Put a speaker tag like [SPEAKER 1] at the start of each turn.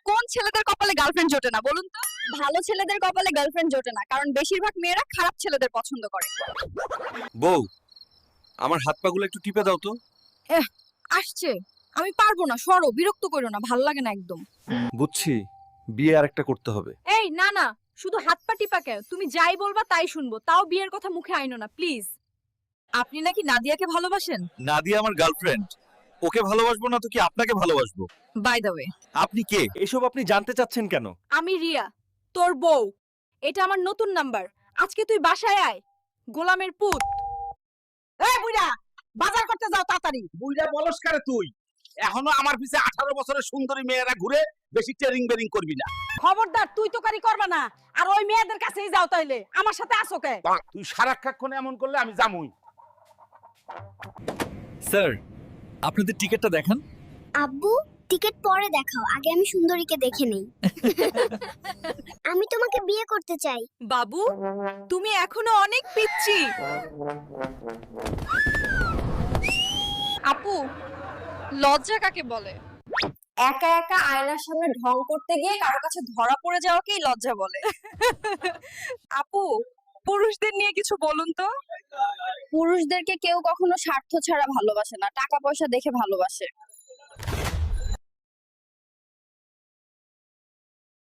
[SPEAKER 1] কোন ছেলেদের কপালে গার্লফ্রেন্ড জোটে না বলুন তো? ভালো ছেলেদের কপালে গার্লফ্রেন্ড জোটে না, কারণ বেশিরভাগ মেয়েরা খারাপ ছেলেদের পছন্দ করে।
[SPEAKER 2] বউ, আমার হাত পাগুলো একটু টিপে দাও তো।
[SPEAKER 1] আসছে, আমি পারবো না, সরো, বিরক্ত করো না, ভালো লাগে না একদম।
[SPEAKER 2] বুঝছি, বিয়ে আরেকটা করতে হবে।
[SPEAKER 1] এই না না, শুধু হাত পা টিপা কেন? তুমি যাই বলবা তাই শুনবো, তাও বিয়ের কথা মুখে আইনো না প্লিজ। আপনি নাকি নাদিয়াকে ভালোবাসেন?
[SPEAKER 2] নাদিয়া আমার গার্লফ্রেন্ড, ওকে ভালোবাসবো না তো কি আপনাকে ভালোবাসবো?
[SPEAKER 1] বাই দ্য ওয়ে,
[SPEAKER 2] আপনি কে? এসব আপনি জানতে চাচ্ছেন কেন?
[SPEAKER 1] আমি রিয়া, তোর বউ। এটা আমার নতুন নাম্বার। আজকে তুই বাসায় আয়, গোলামের পুত।
[SPEAKER 3] এই বুইড়া, বাজার করতে যাও তাড়াতাড়ি। বুইড়া বলস করে তুই? এখনো আমার পিছে 18 বছরের সুন্দরী মেয়েরা ঘুরে, বেশি টেরিং বেরিং করবি না।
[SPEAKER 4] খবরদার, তুই তো কারি করবা না। আর ওই মেয়েদের কাছেই যাও তাইলে, আমার সাথে আসো কে?
[SPEAKER 3] তুই সারাক্ষণ এমন করলে আমি জামুই।
[SPEAKER 2] স্যার, আপনাদের টিকিটটা দেখান।
[SPEAKER 5] আব্বু, টিকিট পরে দেখাও, আগে আমি সুন্দরীকে দেখে নেই। আমি তোমাকে বিয়ে করতে চাই।
[SPEAKER 1] বাবু, তুমি এখনো অনেক পিচ্ছি। আপু, লজ্জা কাকে বলে? একা একা আয়নার সামনে ঢং করতে গিয়ে কারো কাছে ধরা পড়ে যাওয়াকেই লজ্জা বলে। আপু, পুরুষদের নিয়ে কিছু বলুন তো। পুরুষদেরকে কেউ কখনো স্বার্থ ছাড়া ভালোবাসে না, টাকা পয়সা দেখে ভালোবাসে।